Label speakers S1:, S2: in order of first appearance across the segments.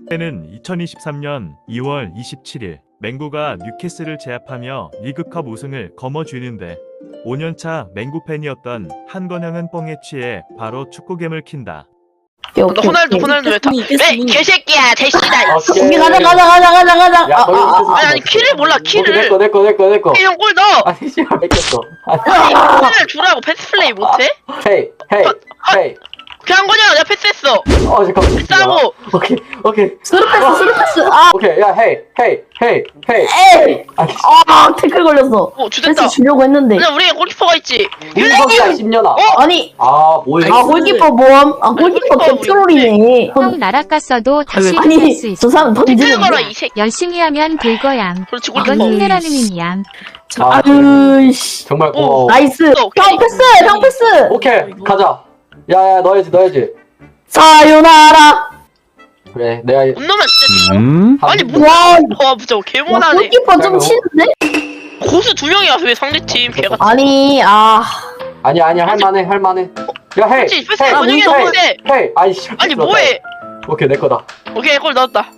S1: 때는 2023년 2월 27일 맹구가 뉴캐슬을 제압하며 리그컵 우승을 거머쥐는데 5년차 맹구 팬이었던 한건영은 뻥에 취해 바로 축구겜을 킨다.
S2: 호날두 왜 개새끼야 대시다.
S3: 오케이.
S4: 가자.
S3: 야, 거기 있었어.
S2: 아니 키를 몰라 키를.
S3: 내꺼.
S2: 이형 골 넣어.
S3: 아니, 씨발, 뺏겼어.
S2: 아니 키를 주라고 패스 플레이 못해?
S3: 헤이.
S2: 그냥 거냐 내가 패스했어.
S3: 잠깐만.
S2: 싸고.
S3: 오케이.
S4: 스루패스.
S3: 오케이, 야, 헤이.
S4: 에이.
S3: 아니,
S4: 태클 걸렸어.
S2: 주됐다.
S4: 패스 주려고 했는데.
S2: 그냥 우리가 골키퍼가 있지.
S3: 윤석이야, 10년아.
S4: 아니.
S3: 뭐야.
S4: 골키퍼 모함. 골키퍼 개트롤이네.
S5: 형 날아갔어도 다시
S4: 아니,
S5: 일어날 수 있어.
S4: 저 사람
S2: 태클
S4: 던지는
S2: 걸어
S4: 거야.
S2: 이 새끼.
S5: 열심히 하면 될 거야.
S2: 그렇지
S5: 이건
S2: 골키퍼.
S5: 힘내라는 의미야.
S4: 아유씨.
S3: 정말 고마워.
S4: 나이스.
S2: 오케이.
S4: 형 패스.
S3: 오케이, 가자. 야, 넣어야지.
S4: 사요나라.
S3: 그래, 내가.
S2: 못 넣으면 진짜. 아니
S4: 와.
S2: 와 진짜 개못하네.
S4: 골키퍼 좀 치는데?
S2: 고수 2명이 와서 왜 상대팀 개가.
S4: 아니,
S3: 아니야, 할만해. 야, 헤이.
S2: 그렇지 패스 원영이 했는데.
S3: 헤이. 아이씨.
S2: 아니 뭐해?
S3: 오케이, 내 거다.
S2: 오케이 골 넣었다.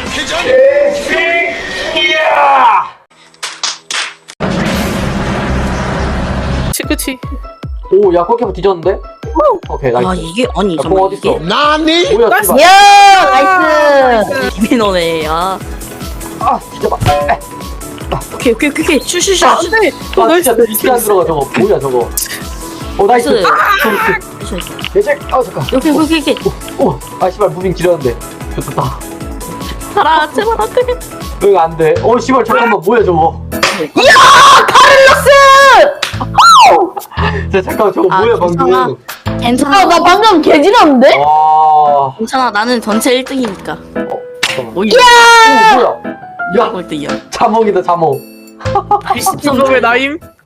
S6: 그치.
S3: 오, 야, 골키퍼 뒤졌는데? 오케이, 나이스.
S6: 아 이게 아니
S3: 야, 공
S6: 잠깐
S3: 어딨어?
S6: 이게
S3: 나니? 뭐야, 씨발.
S4: 야, 나이스.
S6: 이민호네. 아
S3: 뒤져봐.
S6: 오케이. 슈슈슈. 안돼.
S3: 진짜 진짜 안 들어가, 저거. 뭐야, 저거. 나이스.
S6: 나이스.
S3: 내색. 잠깐.
S6: 오케이.
S3: 씨발, 무빙 지렸는데. 좋다.
S6: 살아 제발 안돼.
S3: 응, 안 돼. 씨발, 잠깐만, 뭐야, 저거. 잠깐만, 저거 뭐야, 방금.
S6: 괜찮아.
S4: 나 방금 개지렸는데?
S3: 와.
S6: 괜찮아. 나는 전체 1등이니까.
S3: 잠깐만.
S6: 오이.
S3: 뭐야. 야,
S6: 꼴등이야.
S3: 자몽이다, 자몽.
S6: 이거 왜 나임?